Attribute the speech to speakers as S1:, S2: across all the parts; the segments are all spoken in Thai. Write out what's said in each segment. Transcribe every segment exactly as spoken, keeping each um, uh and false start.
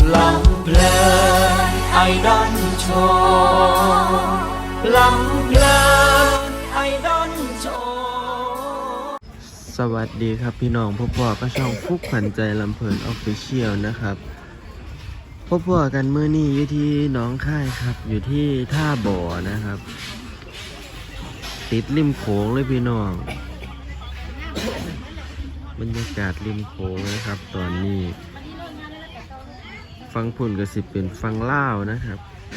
S1: ลำเพลินไอดอนโชว์ลำเพลินไอดอนโชว์สวัสดีครับพี่น้องพ่อพ่อก็ช่องฟุกขวัญใจลำเพลินออฟฟิเชียลนะครับพ่อพ่อกันเมื่อนี้อยู่ที่หนองคายครับอยู่ที่ท่าบ่อนะครับติดริมโขงเลยพี่น้องบรรยากาศริมโขงนะครับตอนนี้ฟังพุ่นก็สิเป็นฟังล่าวนะครับ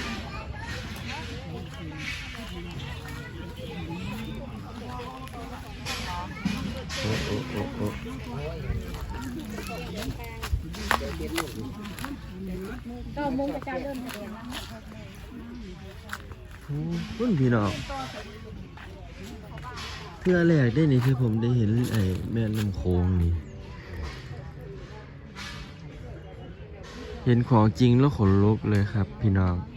S1: โอ้โอ้โอ้โอ้
S2: ก็มุงกระจายเริ่มเห็น
S1: พุ่นพี่น้องเพื่อแรกได้นี่ที่ผมได้เห็นไอ้แม่ลำโขงนี่เห็นของจริงแล้วขนลุกเลยครับพี่น้อง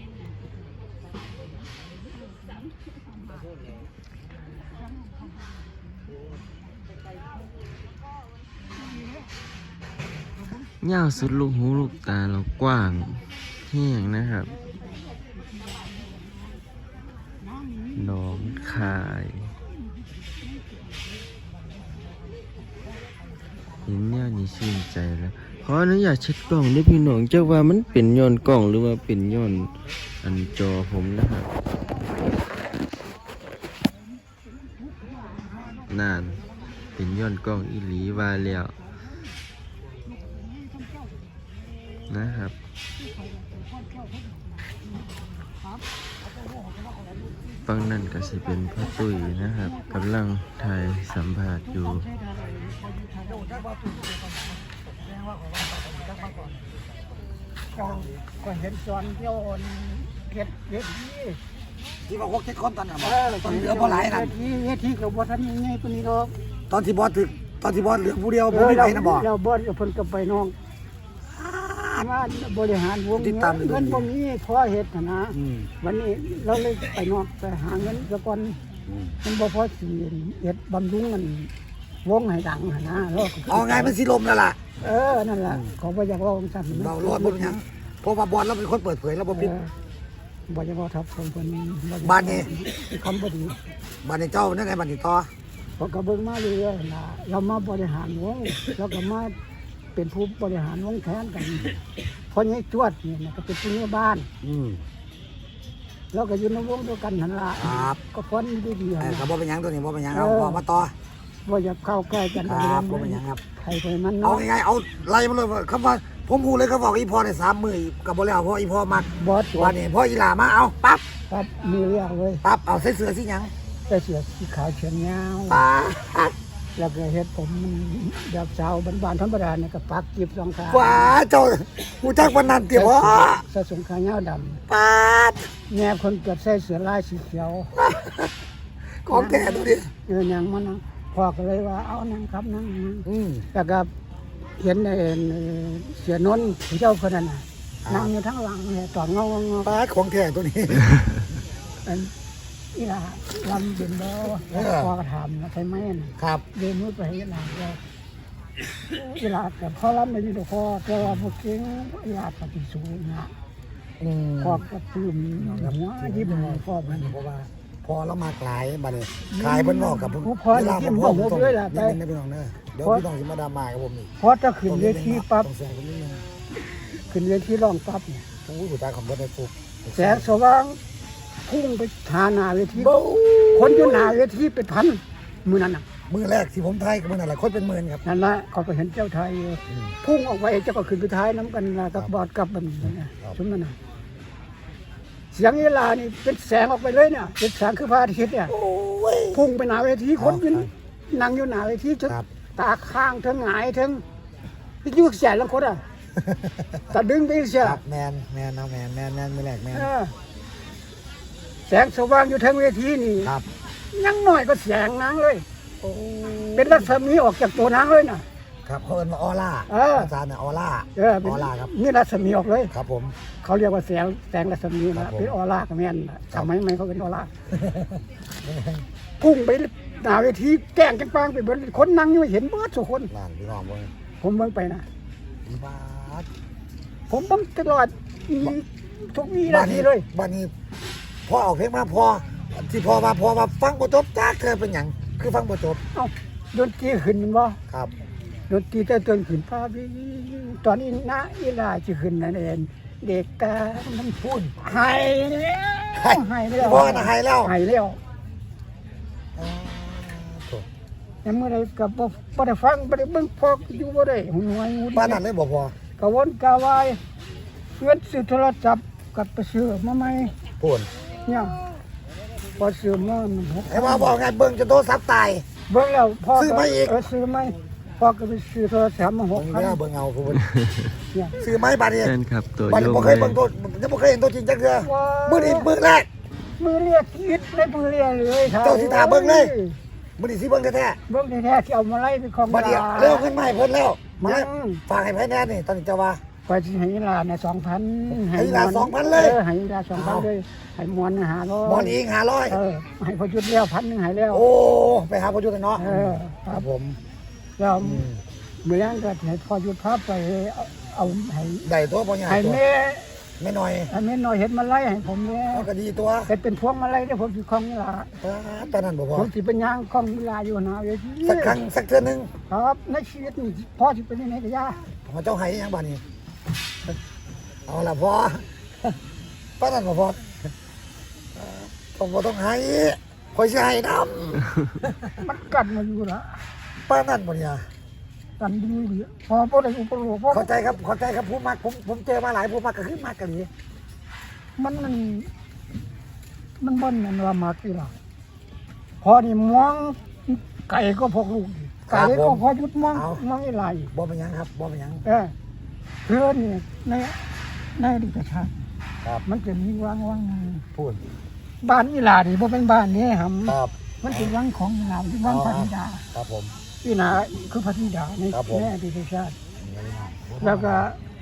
S1: ยาวสุดลูกหูลูกตาเรากว้างแห้งนะครับหนองคายเห็นเนี่ยนี่ชื่นใจแล้วขออนุญาตเช็ดกล้องด้วยพี่น้องเจ้าว่ามันเป็นย้อนกล้องหรือว่าเป็นย้อนอันจอผมนะครับนานเป็นย้อนกล้องอีหลีว่าแล้วนะครับฟังนั่นก็สิเป็นพ่อตุ้ยนะครับกำลังถ่ายสัมภาษณ์อยู่
S2: ก็เห็นจอนเที่ยวเก็ดเก็ดที่
S3: ที่บอกว่าเก็ดคนตอนนั้นตอนเหลือพอหลายนั่น
S2: ที่เวทีกับบอสนี่ไงตัวนี้ก็
S3: ตอนที่บอสถึกตอนที่บอสเหลือผู้เดียวผมไม่ไปนะบอก
S2: เราบอสกับเพิ่นกับไปน้องมาบริหารวงเงินพวกนี้พอเหตุนะวันนี้เราเลยไปนอกไปหาเงินแล้วก่อนมันบ่พอสีเอ็ดบำรุงมันวงให้ดังนะเรา
S3: เอาไงมันสิลมแล้วล่ะ
S2: เออนั่นแหละเขาบ่อยากลองสั่น
S3: เรารอดบนยังเพราะว่าบอสเราเป็นคนเปิดเผยแล้วบ่ปิด
S2: บ่อยากทับคนคน
S3: บ้านนี้
S2: คำบ่ดี
S3: บ้านนี้เจ้านั่นไงบ้านนี้ต่อ
S2: พอกระเบื้องมาเรื่อยๆนะเรามาบริหารวงแล้วก็มาเป็นผู้บริหารวงแทนกันพอนี้จวดเนี่ยก็เป็นผู้ในบ้านแล้วก็อยู่ในวงด้วยกันนั่นละก็พ้นดีดี
S3: ๆครับบ่เป็นยังตัวนี้บ่เป็นยังเอาพอมาต่อ
S2: บ่อยากเข้าใกล้กัน
S3: ครับบ่เป็นยังครับ
S2: ใครไปมัน
S3: เอาไงเอาไล่มาเลยคำว่าผมพูดเลยเขาบอกอีพอในสามมือกับบ่แล้วเพราะอีพอมัก
S2: บอส
S3: วันนี้พ่ออีหลามาเอาปั๊บ
S2: ปั๊บมือเรียกเลย
S3: ปั๊บเอาใส่เสื้อสีหยัง
S2: ใส่เสื้อสีขาวเฉียงยาวแล้วก็เฮ็ดผมแบบสาวบ้านๆธรรมดาเนี่ยก็ปักจีบสองขา
S3: ว้าเจ้าผู้จักวันนั้นเตี๋ยว
S2: ใส่สงขายาวด
S3: ำปาด
S2: แง่คนเกิดใส่เสื้อลายสีเขียว
S3: ของแก่ดูดิ
S2: เออยังมันพ่อก็เลยว่าเอานั่งครับนั่งแล้วก็เห็นในเสียนนท์เจ้าคนนั้นนั่งอยู่ทั้งหลังเนี่ยตอนเงาเงา
S3: ปาดของแก่ตัวนี้
S2: อีหล่าลำเป็นบ่พอกระทำนะใช่ไหม
S3: ครับ
S2: เดินมืดไปอีหล่าเราอีหล่าแต่พอลำไม่ดีตัวพอแต่ว่าพวกเก่งอีหล่าปฏิสูงนะพอกระตืมหัวยิ้มพ่อมัน
S3: เพราะว่าพอเรามาขายบัดนี้ขายเพิ่นบอกกับ
S2: พอที่ยิ้มบอกด้วยล่ะ
S3: ไปพี่น้องเด้อเดี๋ยวพี่น้องสิมาดราม่ากับผมนี่
S2: พอจะขึ้นเวทีปั๊บขึ้นเวทีร้องปั๊บเนี่ย
S3: โอ้ยผู้ชายของบ่ได้ฟุก
S2: แสงสว่างพุ่งไปหาหน้าเวทีคนอยู่หน้าเวทีเป็นพันมือนั้นน่ะ
S3: มือแรกที่ผมไทยกับมือนั่นแหละคนเป็นหมื่นครับ
S2: นั่นแหละเขาไปเห็นเจ้าไทยพุ่งออกไปเจ้าก็ขึ้นไปท้ายน้ำกันกับบอดกับมันนะชุดนั้นน่ะเสียงเวลานี่เป็นแสงออกไปเลยเนี่ยเป็นแสงคือพระอาทิตย์เนี่ยพุ่งไปหน้าเวทีคนยืนนั่งอยู่หน้าเวทีจนตาข้างทั้งหงายทั้งที่ยุกแสนแล้วคนอ่ะแต่ดึงไปเสีย
S3: แมนแมนเอาแมนแมนแมนมือแรกแมน
S2: แสงสว่างอยู่ทั้งเวทีนี่ยังน้อยก็แสงนางเลยเป็นรัศมีออกจากตัวนางเลยนะครับ
S3: เขาเรียกว่าออร่าอาจารย์เนี่ยออร่า
S2: ออร่าครับนี่รัศมีออกเลย
S3: ครับผม
S2: เขาเรียกว่าแสงแสงรัศมีนะเป็นออร่ากับแม่นทำไมไม่เขาเป็นออร่าพุ่งไปหน้าเวทีแกล้งจังปังไปบนคนนั่งอยู่เห็นเบิดทุกคน
S3: นั่นพี่น้องเบิ่ง
S2: ผมเบิ่งไปนะ
S3: บาด
S2: ผมเบิ่งตลอดมีทุกวีนาทีเลย
S3: บ้านนี้พอออกเพลงมาพอที่พอมาพอมาฟังบ่จบจ้าเธอเป็นหยังคือฟังบ่จบ
S2: เอ้าดนตรีขึ้นบ่
S3: ครับ
S2: ดนตรีแต่ต้นขึ้นพาวิตอนนี้นะอีลาสิขึ้นนั่นเองเด็กกามันพูดหายแล้วหายแล้ว
S3: พ่อน่ะหายแล้ว
S2: หายแล้ว
S3: อ๋อโถ่
S2: ยังเมื่อไรก็บ่บ่ได้ฟังบ่ได้เบิ่งพออยู่บ่ได้หูหวยหูดี
S3: บ้านนั้นเลยบ่พอก
S2: ะวนกะวายเงินซื้อโทรศัพท์กับไปซื้อมาใหม่
S3: พูน
S2: เนี่ยพอซื้อมามันหก
S3: ไอ้ว่าบอกไงเบิ่งจะโทรศัพท์ตาย
S2: เบิ่งแล้วพ่อ
S3: ซื้อมาอีก
S2: เออซื้อใหม่พ่อก็ไปซื้อโทรศัพท์มาห
S3: ผ
S2: ก
S3: ม
S2: พัน
S3: ไม่เอาเบิ่งเอาพูน
S2: เนี่ย
S3: ซื้อไม้บาดนี้
S1: แฟนคลับตัว
S3: บาด
S1: โย
S3: นี้
S1: ง
S3: บ่เคยเบิ่งตัวยังบ่เคยเห็นตัวจริงจักเทื่อมื้อนี้มื้อแรก
S2: มือเรียกคิดเลยมือเรียกเลย
S3: เจ้าสิถามเบิ่งเลย มื้อนี้สิเบิ่งแท้
S2: เบิ่งแท้ๆที่เอามาไล่เป็นของ
S3: ๆบัดนี้เร็วขึ้นมาให้เพิ่นแล้ว
S2: มา
S3: ฝากให้ไผแน่นี่ตอนนี้จะว่า
S2: ไปสิให้ลาเนี่ยสองพัน
S3: ให้ลาสองพันเลย
S2: ออให้ลาสองพันเลยให้มวนหาร้อย
S3: หมอนอีกห้าร้อย
S2: เออให้พอจุดแล้วพันหนึ่งให้แล้ว
S3: โอ้ไปหาพ่อจุดกันเนาะ
S2: เออค
S3: ค
S2: รั
S3: รั
S2: บบ
S3: ผม
S2: แล้ว
S3: อืม
S2: เมื่อยังก็ให้พอจุดภาพไปเอาเอาให้
S3: ได้ตัวพ่อใหญ่
S2: ให้
S3: ตัว
S2: แม่
S3: ไม่น้อย
S2: ให้แม่น้อยเห็นมาไล่ให้ผมเนี่ย
S3: เอาก็ดีตัว
S2: เป็นเป็นพวงมาไล่ได้ผมสิคล้องนี่ล่ะ
S3: ตอนนั้นบ่พอ
S2: ผมสิเป็นย่างคล้องเวลาอยู่นะเวที
S3: สักครั้งสักเทื่อนึง
S2: ครับในชีวิตนี่พ่อสิเป็นยังไงก็ย่า
S3: พอเจ้าให้ยังบ้านนี้เอาล่ะพ่อป้านั่นบ่พอผมบ่ต้องให้คอยสิให้นำ
S2: มันกัดมาอยู่ละ
S3: ป้านั่นบ่เนี่ย
S2: กันดีดีพอพอได้อุปโลกพอ
S3: เข้าใจครับเข้าใจครับผู้มักผมผมเจอมาหลายผู้มักก็คือมักกันนี่
S2: มันมันมันบ่นมันว่ามากี่ล่ะพอนี่มองไก่ก็พกลูกดิไก่ก็พอยุดมองมองอีไหล
S3: บ่เป็นหยังครับบ่เป็นหยัง
S2: เออเพื่อนนี่ในในอดิตชาติ
S3: ครับ
S2: มันจะมีวังวัง
S3: พูด
S2: บ้านอีหลานี่บ่เป็นบ้านนี่หำ
S3: ครับ
S2: มันเป็นวังของอีหลาที่วังพระธิดา
S3: ครับผม
S2: อีหลาคือพระธิดาใน
S3: ครับผม
S2: ในอดิตชาติ แล้วก็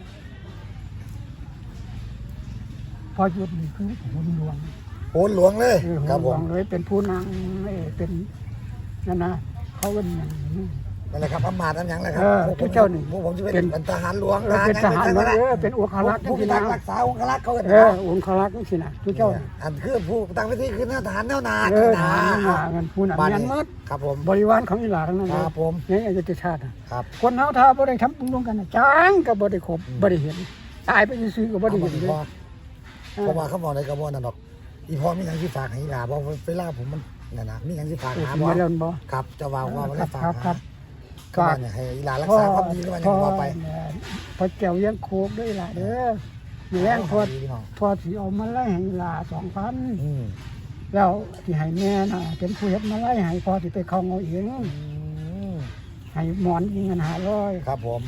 S2: พอหยุดนี่คือหุ่นหลวง
S3: โหนหลวงเลย
S2: เออ
S3: ค
S2: หุ่
S3: รับ
S2: นหล
S3: ผ
S2: ว
S3: ม
S2: งเลยเป็นผู้นางเออเป็นนั่นนะเขาเป็นอย่างนี้
S3: นั่นแหละครับอำมาตย์อันหยังแหละครั
S2: เออ
S3: พวกผม
S2: เจ้านี่
S3: พวกผมจะเป็น
S2: เป็น
S3: เป็นทหารหลวง
S2: เออเป็นทหาร
S3: ห
S2: หลวง
S3: นะ
S2: เออเป็นองครักษ์
S3: ผู้
S2: ที่
S3: พิทั
S2: นาก
S3: ษ์รักษาองครักษ์เขากัน
S2: เออองครักษ์นี่สินะทุกเจ้า
S3: อันคือผู้ตั้งเวทีคือทหารแนวหนา
S2: เออ
S3: หนา
S2: ทหารเงินผู้นั้น
S3: บ้าน
S2: ยัน
S3: นี้
S2: หมด
S3: ครับผม
S2: บริวารของอีหลาทั้งนั้น
S3: ค
S2: เลย
S3: รับผม
S2: ในอยุธชาติน่ะ
S3: ครับ
S2: คนเฮาถ้าบ่ได้ทำบุญร่วมกันน่ะจ้างก็บ่ได้ครบบ่ได้เห็นตายไปซื่อๆก็บ่ได้
S3: เอา
S2: เห็น
S3: มา
S2: เลย
S3: พอเพราะว่าเขาบอกในกระบอกนั่นดอกอีพอมีหยังที่ฝากให้อีหลาบอกเวลาผมมันนั่นนะมีหยังที่ฝาก
S2: เออ
S3: หา
S2: สิ
S3: บ่
S2: มาแล้วบ่
S3: ครับเจะว่าว่าไม่
S2: ครั
S3: ได้
S2: บ
S3: ฝาก
S2: ครับค
S3: หา
S2: รับ
S3: ก็ว่าเนี่ยให้อีหลารักษาความดีหรือว่าหยังว่าไป
S2: พอแก้วยังโคกด้วยล่ะเด้อมีแรงพอ
S3: ดีพี่น้อง
S2: พอสิเอามาไล่ให้ลาสองพัน
S3: อืม
S2: แล้วที่ให้แม่น่ะเป็นผู้เฮ็ดมาไล่ให้พอสิไปเข้าเอาเอง
S3: อืม
S2: ให้หมอนยิงเงินหาร้อย
S3: ครับผม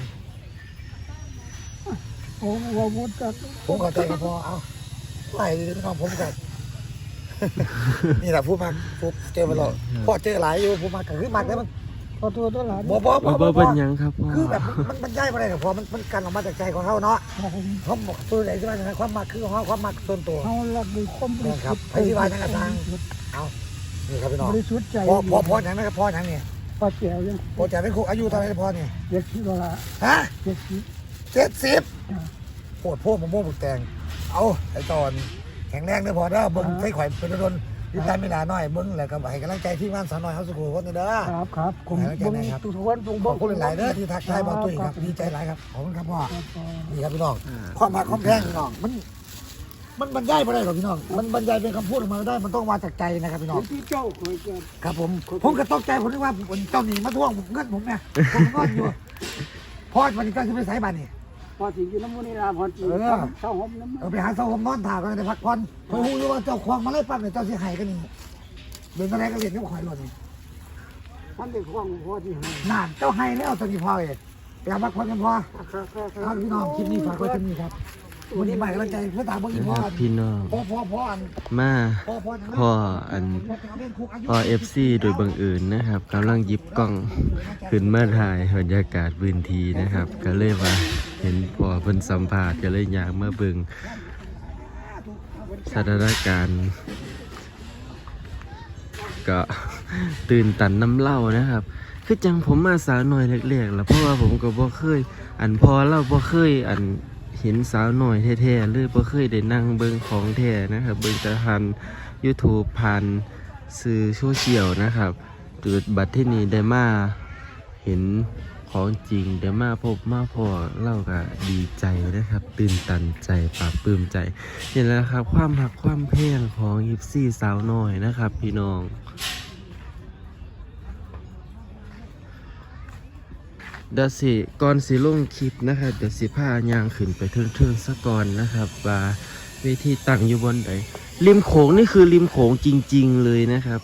S2: โอ้โหวุฒิก็
S3: ผมเข้าใจครับพ่อเอาไหลพี่น้องผมกัน นี่แหละผู้มักผู้เจอมาหรอกพ่อเจอหลายอยู่ผู้มักก็คือมักแล้วมัน
S2: พอตัวตัวหลาน
S3: บ่บ่
S1: บ่
S3: บ่
S1: บ่
S3: บ่
S1: เป็นหยังครับพ่อ
S3: คือแบบมันมันย้ายมาได้กับพอมันมันกันออกมาจากใจของเขาเนาะเขาบอกตัวไหนที่ว่าอย่างนั้นความมักคือของเขาความมักส่วนตัว
S2: เฮารักด้วยความบริสุทธิ์
S3: ไปที่บ้านนั่นก็ทาง เอานี่ครับพี่น้อง
S2: บริสุทธิ์ใจ
S3: พ่อพ่อพ่ออย่างนั้นครับพ่ออย่างนี้
S2: พอแก้วยัง
S3: พ่อจะเป็นครูอายุเท่าไหร่พ่อนี่
S2: เจ็ดสิบละ
S3: ฮะ
S2: เจ็ดสิบ
S3: เจ็ดสิบ
S2: จ้ะ
S3: ปวดพวกมะม่วงบุกแตงเอาไอ้ตอนแข็งแรงเด้อพอเด้อเบิ้งใส่ข่อยเป็นโดนดิตามไม่ลาน้อยเบิ้งแหละก็ให้กำลังใจที่บ้านสาวน้อยเฮาสุขุมคนนี้เด้อ
S2: ครับครับผม
S3: ให้กำลังใจ
S2: เบิ่ง
S3: นะครับ
S2: ทุกคนทุก
S3: ขอบคุณหลายๆเด้อที่ทักทายบอลตุ้ยครับดีใจหลายครับขอบคุณครับพ่อ นี่ครับพี่น้องความหักความแพงพี่น้องมันมันบรรยายไม่ได้หรอกพี่น้องมันบรรยายเป็นคำพูดออกมาไม่ได้มันต้องมาจากใจนะครับพี่น้อง
S2: ที่เจ้าเคยเกิด
S3: ครับผมผมก็ตกใจผมนึกว่าผมเจ้าหนีมาทวงเงินผมไงผมก็อยู่พอวันนี้ก็จะไปสายบ้านนี่
S2: พอสิอยู่น้ำมูนี่ลาพอสิ
S3: เออ
S2: เช้าหอมน้ำมัน
S3: เออไปหาเสาผมนอนถ่ากันในพักผ่อนคอยหูอยู่ว่าเจ้าควงมาไล่ปั๊บเนี่ยเจ้าเสียหายกันนี่เดินอะไรก็เรียนก็คอยหล่นนี่
S2: มันเป็นของพอที่ให้
S3: นานเจ้าให้แล้วตอนนี้พอเองไปหาพักผ่อนกันพอ
S2: ครับครับค
S3: ค
S2: รั
S3: รั
S2: บบ
S3: พี่น้องคลิปนี้ฝากไว้ที่นี่ครับวันนี้ใหม่กำลังใจเพื่อตามเมื่อกี้
S1: นะ
S3: พ่อ
S1: ครับพี่น้อง
S3: พ่อพ่อพ่ออัน
S1: มา
S3: พ่อพ่อ
S1: พ่ออันพ่อเอฟซีโดยบังเอิญนะครับกำลังหยิบกล้องขึ้นมาถ่ายบรรยากาศพื้นที่นะครับ ก็เลยว่าเห็นพ่อเพิ่นสัมภาษณ์ก็เลยอยากมาเบิ่งสถานการณ์ก็ตื่นตันน้ำเล่านะครับ คือจังผมมาสาวน้อยเล็กๆแล้วเพราะว่าผมก็บ่เคย อันพอเราบ่เคยอันเห็นสาวหน่อยแท้ๆเลยบ่เคยได้นั่งเบิ่งของแท้นะครับเบิ่งแต่ผ่าน YouTube ผ่านสื่อโซเชียลนะครับจุดบัดที่นี้ได้มาเห็นของจริงได้มาพบมาพอเล่าก็ดีใจนะครับตื่นตันใจปลาบปลื้มใจนี่แหละครับความหักความแพงของยิปซี่สาวน้อยนะครับพี่น้องเดี๋ยวสิก่อนสิลงคลิปนะครับเดี๋ยวสิพายางขึ้นไปเทิงๆซะก่อนนะครับว่าเวทีตั้งอยู่บนไหนริมโขงนี่คือริมโขงจริงๆเลยนะครับ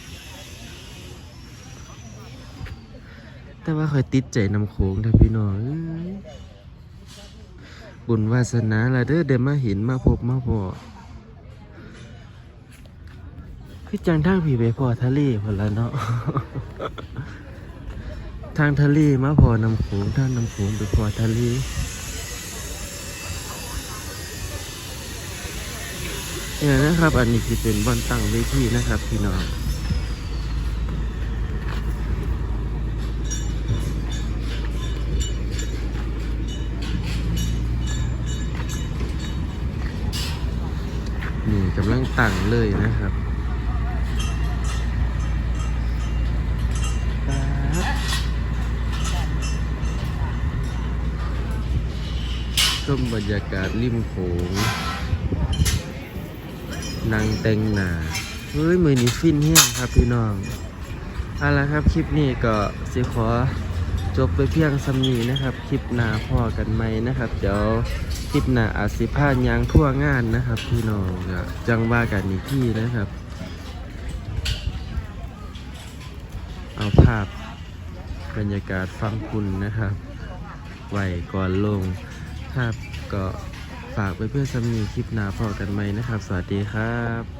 S1: แต่ว่าคอยติดใจน้ำโขงนะพี่น้องบุญวาสนาละเด้อเดี๋ยวมาเห็นมาพบมาพอคือจังทางผีไปพอทะเลพอแล้วเนาะ ทางทะเลมาพอน้ำโขงทางน้ำโขงไปพอทะเลเนี่ยนะครับอันนี้คือเป็นบอนตั้งเวทีนะครับพี่น้องนี่กำลังตั้งเลยนะครับชมบรรยากาศริมโขงนางแต่งหน้าเฮ้ยมือนี้ฟินเฮี้ยงครับพี่น้องเอาละครับคลิปนี้ก็สิขอจบไปเพียงสำนีนะครับคลิปหน้าพอกันไหมนะครับเดี๋ยวคลิปหน้าอาจสิพายางทั่วงานนะครับพี่น้องก็จังว่ากันอีกที่นะครับเอาภาพบรรยากาศฟังคุณนะครับไว้ก่อนลงครับก็ฝากไปเพื่อสำนีคลิปหน้าพอกันไหมนะครับสวัสดีครับ